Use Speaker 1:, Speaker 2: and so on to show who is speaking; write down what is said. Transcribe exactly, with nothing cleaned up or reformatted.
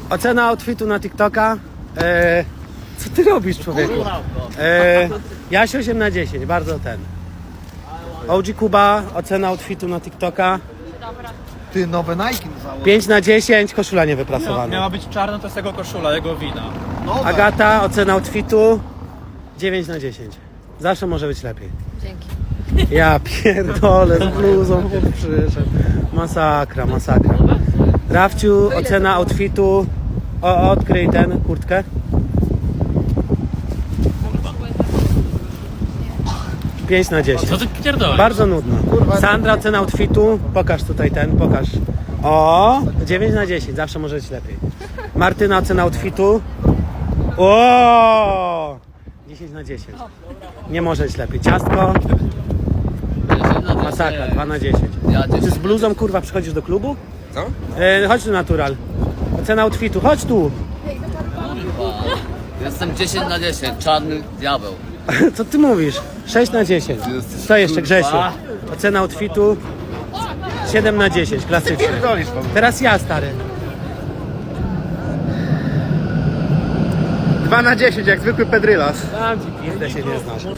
Speaker 1: Ocena outfitu na TikToka. E, co ty robisz, człowieku? E, Jaś osiem na dziesięć, bardzo ten. O G Kuba, ocena outfitu na TikToka.
Speaker 2: Ty, nowe Nike założył.
Speaker 1: pięć na dziesięć, koszula nie
Speaker 3: No,
Speaker 1: wyprasowana.
Speaker 3: miała być czarna, to jest jego koszula, jego wina.
Speaker 2: Nowe.
Speaker 1: Agata, ocena outfitu dziewięć na dziesięć. Zawsze może być lepiej.
Speaker 4: Dzięki.
Speaker 1: Ja pierdolę, z bluzą chłop przyszedł. Masakra, masakra. Rafciu, ocena outfitu. O, odkryj ten, kurtkę. pięć na dziesięć.
Speaker 3: Co ty pierdolisz?
Speaker 1: Bardzo nudno. Sandra, ocena outfitu. Pokaż tutaj ten, pokaż. O, dziewięć na dziesięć, zawsze może być lepiej. Martyna, ocena outfitu. O, dziesięć na dziesięć. Nie może być lepiej. Ciastko. Masakra, dwa na dziesięć. Ty z bluzą kurwa przychodzisz do klubu?
Speaker 5: Co?
Speaker 1: E, chodź tu natural. Ocena outfitu, chodź tu.
Speaker 6: Jestem dziesięć na dziesięć, czarny diabeł.
Speaker 1: Co ty mówisz? sześć na dziesięć. Co jeszcze, Grzesiu? Ocena outfitu siedem na dziesięć, klasycznie. Teraz ja, stary.
Speaker 2: dwa na dziesięć, jak zwykły pedrylas.
Speaker 1: Tam ci pizdę się nie znasz.